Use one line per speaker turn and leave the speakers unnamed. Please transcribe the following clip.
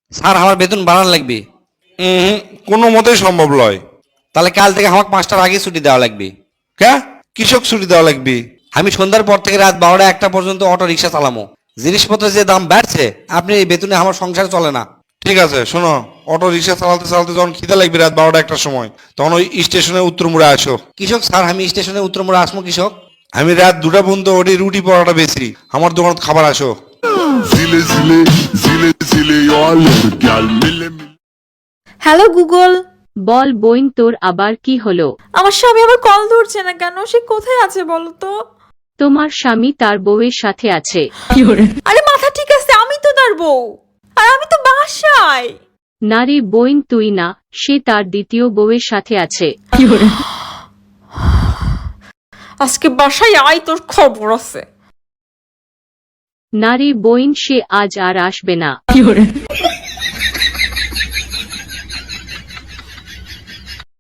Sir আমার বেতন বাড়ানো লাগবে।
হুম, কোনো মতেই সম্ভব নয়।
তাহলে কাল থেকে আমাকে 5টার আগে ছুটি দেওয়া লাগবে।
কে? কৃষক ছুটি দেওয়া লাগবে?
আমি সন্ধ্যার পর থেকে রাত 12টা 1টা পর্যন্ত অটো রিক্সা চালামো। জিনিসপত্রের যে দাম বাড়ছে, আপনি এই বেতনে আমার সংসার চলে না।
ঠিক আছে, শোনো, অটো রিক্সা চালাতে চালাতে যখন খিদে লাগবে রাত 12টা 1টার সময়, তখন ওই স্টেশনে উত্তর মোড়ে আসো।
কৃষক স্যার, আমি স্টেশনে উত্তর মোড়ে আসমো কৃষক।
আমি রাত 2টা পর্যন্ত ওটি রুটি পরোটা বেচি, আমার দোকানত খাবার আসো।
Zile zile, zile zile, eu alerg, gal mile mile.
Hello Google.
বল বইন, তোর আবার কি হলো?
আমার স্বামী আবার কল ধরছে না কেন? সে কোথায় আছে বলো তো?
তোমার স্বামী তার বউয়ের সাথে আছে।
আরে মাথা ঠিক আছে, আমি তো তার বউ, আর আমি তো বাসায়।
না রে বইন, তুই না, সে তার দ্বিতীয় বউয়ের সাথে আছে।
আজকে বাসায় আয়, তোর খবর আছে।
না রে বইন, সে আজ আর আসবে না।